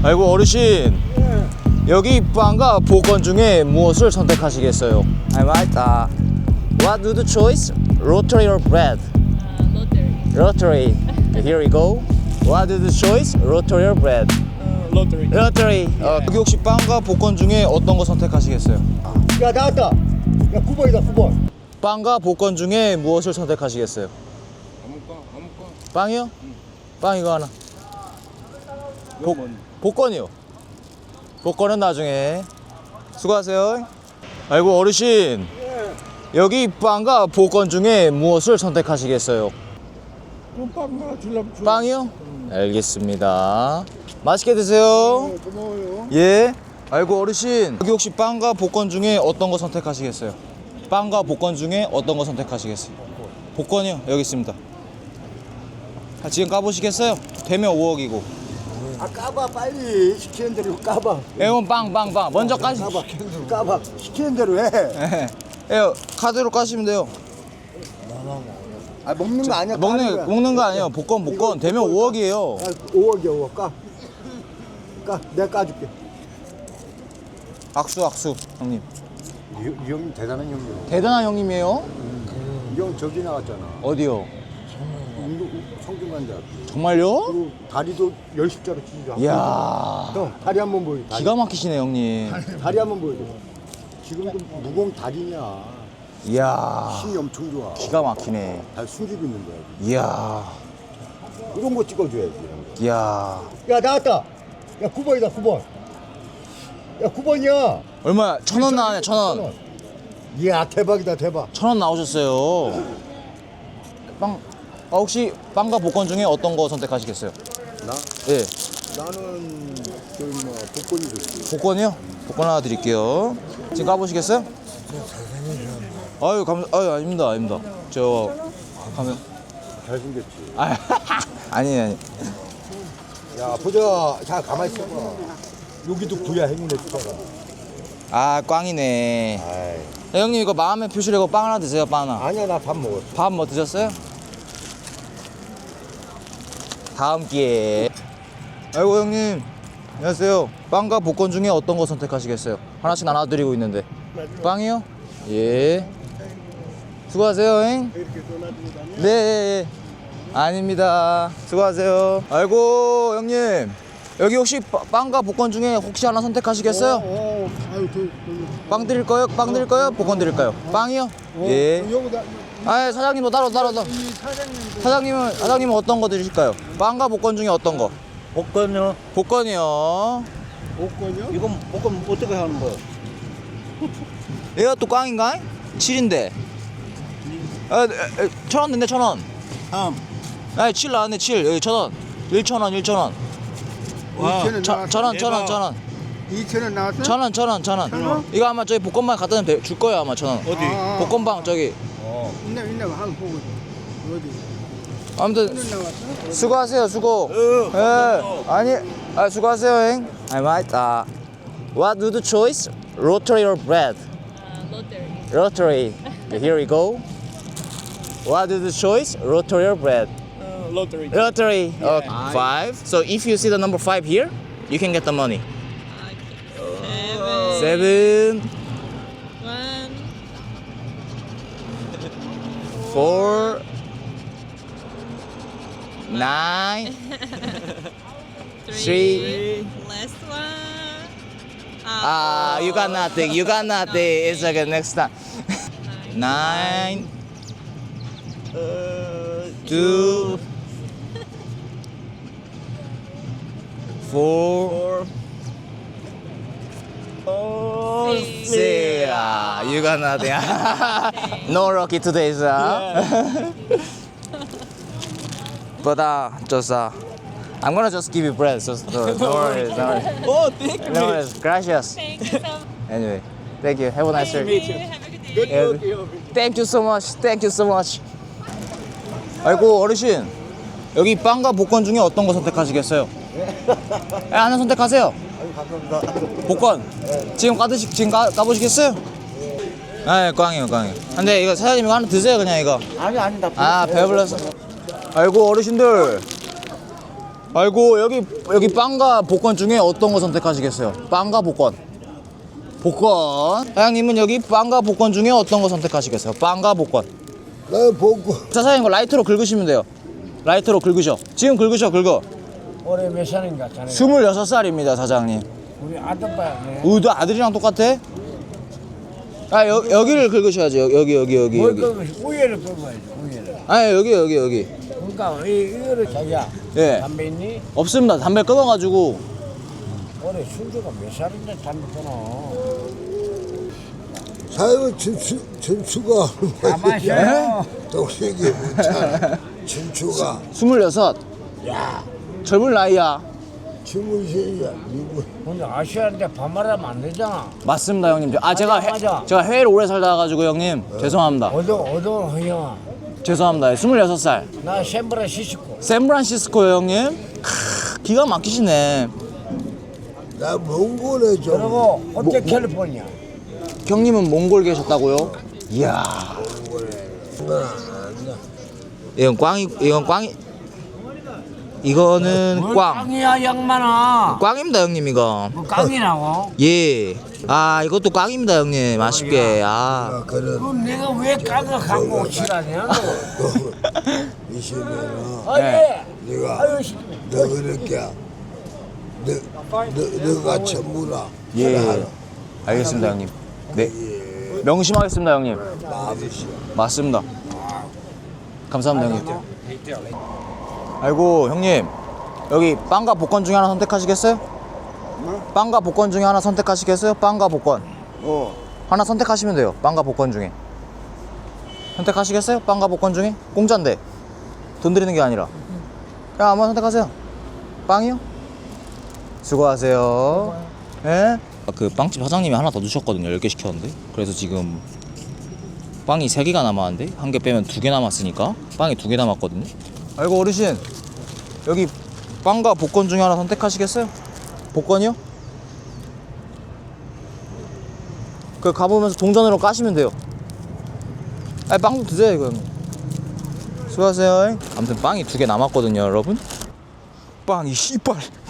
아이고 어르신, 여기 빵과 복권 중에 무엇을 선택하시겠어요? I might. What do the choice? Lottery or bread? Lottery. Lottery. Here we go. What do the choice? Lottery or bread? Lottery. Lottery. 여기 혹시 빵과 복권 중에 어떤 거 선택하시겠어요? 야 나왔다. 야 9번이다 9번. 빵과 복권 중에 무엇을 선택하시겠어요? 아무거나. 빵이요? 빵 이거 하나. 복권이요. 복권은 나중에. 수고하세요. 아이고 어르신, 여기 빵과 복권 중에 무엇을 선택하시겠어요? 빵 하나 줄라면 줘. 빵이요? 알겠습니다. 맛있게 드세요. 고마워요. 예. 아이고 어르신, 여기 혹시 빵과 복권 중에 어떤 거 선택하시겠어요? 빵과 복권 중에 어떤 거 선택하시겠어요? 복권이요? 여기 있습니다. 지금 까보시겠어요? 되면 5억이고. 아 까봐 빨리 시키는 대로 까봐. 에온 빵 먼저 까시. 까봐 시키는 대로 해. 예, 카드로 까시면 돼요. 아 먹는 거 아니야. 먹는 거 아니에요. 복권 되면 5억이에요. 5억이야 5억 까. 내가 까줄게. 악수 형님. 이 형님 대단한 형이요. 대단한 형님이에요. 이 형 저기 나왔잖아. 어디요? 성균관대학교. 정말요? 그리고 다리도 열십자로 치죠. 이야, 형 다리 한번 보여. 다리. 기가 막히시네 형님. 다리 한번 보여줘. 지금도 무공 다리냐. 이야, 힘이 엄청 좋아. 기가 막히네. 다 숨기고 있는 거야. 이야, 이런 거 찍어줘야지. 이야. 야 나왔다. 야 9번이다 9번. 야 9번이야. 얼마? 1,000원 나와요. 1,000원. 이야 대박이다 대박. 1,000원 나오셨어요. 빵. 혹시 빵과 복권 중에 어떤 거 선택하시겠어요? 나? 예. 나는 저기 뭐 복권이 좋지. 복권이요? 복권 하나 드릴게요. 지금 까보시겠어요? 아유 아닙니다. 저 가면. 잘생겼지. 아니. 야 보자. 자 가만히 있어봐. 여기도 구야 행운의 숫자가. 꽝이네. 아이. 형님 이거 마음의 표시라고 빵 하나 드세요. 빵 하나. 아니야 나 밥 먹었어. 밥 뭐 드셨어요? 다음 기회에. 아이고 형님, 안녕하세요. 빵과 복권 중에 어떤 거 선택하시겠어요? 하나씩 나눠드리고 있는데. 빵이요? 예. 수고하세요, 잉. 네. 아닙니다. 수고하세요. 아이고 형님, 여기 혹시 빵과 복권 중에 혹시 하나 선택하시겠어요? 아유 빵 드릴 거요? 빵 드릴 거요? 복권 드릴까요? 빵이요? 예. 사장님도 따로. 사장님은 어떤 거 드실까요? 빵과 복권 중에 어떤 거? 복권요? 복권이요. 복권이요? 이건 복권 어떻게 하는 거예요? 얘가 또 꽝인가? 7인데. 1,000원 낸대 1,000원. 아니 7 나왔네 7. 여기 1,000원. 1,000원. 2,000원 1,000원. 2,000원 나왔어? 1,000원. 이거 아마 저기 복권방 갖다 놓으면 줄 거예요 아마 1,000원. 어디? 복권방 저기. 있나 한번 보고. 어디? 아무튼 나왔어? 수고하세요 수고. 수고하세요 행. I might. What do the choice? Lottery or bread? Lottery. Lottery. Here we go. What is the choice? Lottery or bread? Lottery. Lottery. 5. So if you see the number 5 here, you can get the money. 7. 1. 4. 9. 3. Last one. You got nothing. It's okay. Next time. 9. 2. 4. 6. You got nothing. No lucky today, sir. But I'm gonna just give you bread. So no worries. Oh, thank you. No worries. Gracias. Thank you so much. Anyway, thank you. Have a nice day. Have a good day. Thank you so much. 아이고 어르신, 여기 빵과 복권 중에 어떤 거 선택하시겠어요? 하나 선택하세요. 복권. 지금 까보시겠어요? 꽝이에요. 근데 이거 사장님 이거 하나 드세요 그냥 이거. 아니 나. 배불러서. 아이고 어르신들, 아이고 여기 빵과 복권 중에 어떤 거 선택하시겠어요? 빵과 복권. 복권. 사장님은 여기 빵과 복권 중에 어떤 거 선택하시겠어요? 빵과 복권. 나 보고. 자 사장님 이거 라이트로 긁으시면 돼요. 라이트로 긁으셔. 지금 긁어. 올해 몇 살인가 자네? 26살입니다 사장님. 우리 아들 봐야 돼. 우도 아들이랑 똑같아? 아 여기를 긁으셔야지. 여기. 뭘 끄고 우유를 끄고야지 우유를. 아 여기. 그러니까 이거를 자기야. 예. 담배 있니? 없습니다. 담배 끊어가지고. 올해 순주가 몇 살인데 담배 끊어? 사장님 준수가 가만 있어. 동생이 묻잖아. 준수가 26. 젊은 나이야. 23이야. 누구? 근데 아시아인데 반말하면 안 되잖아. 맞습니다 형님. 제가 맞아. 제가 해외를 오래 살다 가지고 형님 죄송합니다. 어떤 허영아? 죄송합니다. 26살. 나 샌프란시스코. 샌프란시스코요 형님. 기가 막히시네. 나 몽골에 좀. 그리고 호텔 캘리포니아. 형님은 몽골 계셨다고요? 이야. 이건 꽝이. 이거는 뭘 꽝. 깡이야 양만아. 꽝입니다 형님 이거. 뭐 깡이라고? 예. 아 이것도 꽝입니다 형님. 아쉽게. 아. 그런 그럼 내가 왜 깡을 갖고 오시라냐? 이시면은 아예. 네가 아유 씨. 너 그렇게 너가 전부라. 예. 알겠습니다 형님. 네. 명심하겠습니다 형님. 마음이시. 맞습니다. 감사합니다 형님. 아이고 형님 여기 빵과 복권 중에 하나 선택하시겠어요? 빵과 복권 중에 하나 선택하시겠어요? 빵과 복권. 하나 선택하시면 돼요. 빵과 복권 중에. 선택하시겠어요? 빵과 복권 중에? 공짜인데 돈 드리는 게 아니라. 그냥 아무나 선택하세요. 빵이요? 수고하세요. 예? 그 빵집 사장님이 하나 더 주셨거든요. 10개 시켰는데. 그래서 지금 빵이 3개가 남았는데 한 개 빼면 2개 남았으니까 빵이 2개 남았거든요. 아이고 어르신 여기 빵과 복권 중에 하나 선택하시겠어요? 복권이요? 그 가보면서 동전으로 까시면 돼요. 아니 빵도 드세요 이거. 수고하세요. 아무튼 빵이 2개 남았거든요 여러분. 빵이 씨발